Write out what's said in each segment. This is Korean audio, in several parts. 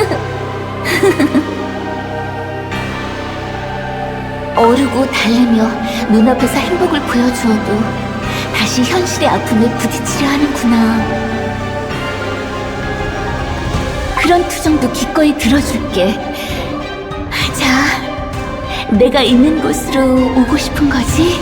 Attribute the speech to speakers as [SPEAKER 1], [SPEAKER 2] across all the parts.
[SPEAKER 1] 어르고 달래며 눈앞에서 행복을 보여주어도 다시 현실의 아픔에 부딪히려 하는구나. 그런 투정도 기꺼이 들어줄게. 자, 내가 있는 곳으로 오고 싶은 거지?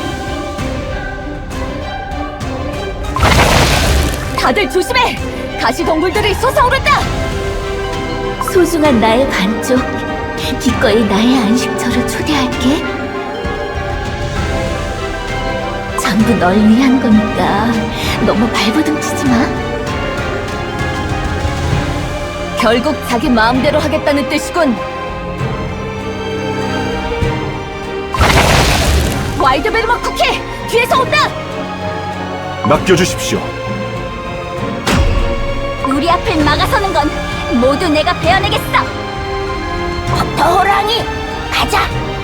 [SPEAKER 1] 다들 조심해! 가시동굴들이 솟아오른다! 소중한 나의 반쪽, 기꺼이 나의 안식처로 초대할게. 전부 널 위한 거니까 너무 발버둥치지 마. 결국 자기 마음대로 하겠다는 뜻이군. 와일드베르머 쿠키! 뒤에서 온다!
[SPEAKER 2] 맡겨주십시오.
[SPEAKER 1] 우리 앞을 막아서는 건 모두 내가 베어내겠어! 버터 호랑이! 가자!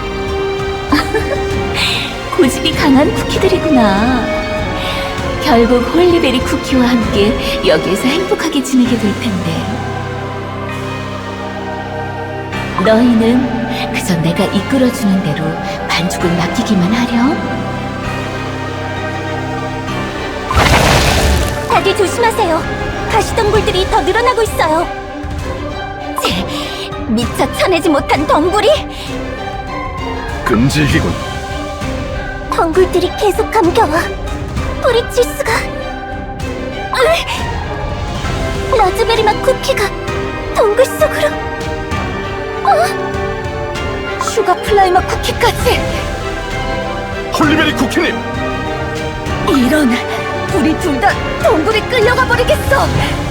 [SPEAKER 1] 고집이 강한 쿠키들이구나. 결국 홀리베리 쿠키와 함께 여기에서 행복하게 지내게 될 텐데. 너희는 그저 내가 이끌어주는 대로 반죽을 맡기기만 하렴. 다들 조심하세요. 가시덩굴들이 더 늘어나고 있어요. 미처 쳐내지 못한 덩굴이?
[SPEAKER 2] 끈질기군.
[SPEAKER 1] 덩굴들이 계속 감겨와. 뿌리칠 수가. 라즈베리맛 쿠키가 덩굴 속으로. 슈가 플라이맛 쿠키까지.
[SPEAKER 2] 홀리베리 쿠키님!
[SPEAKER 1] 이런, 우리 둘 다 덩굴에 끌려가 버리겠어.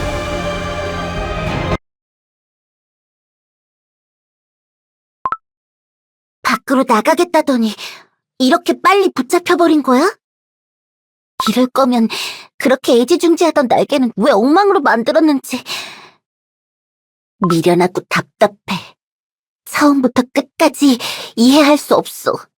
[SPEAKER 1] 밖으로 나가겠다더니 이렇게 빨리 붙잡혀버린 거야? 이럴 거면 그렇게 애지중지하던 날개는 왜 엉망으로 만들었는지 미련하고 답답해. 처음부터 끝까지 이해할 수 없어.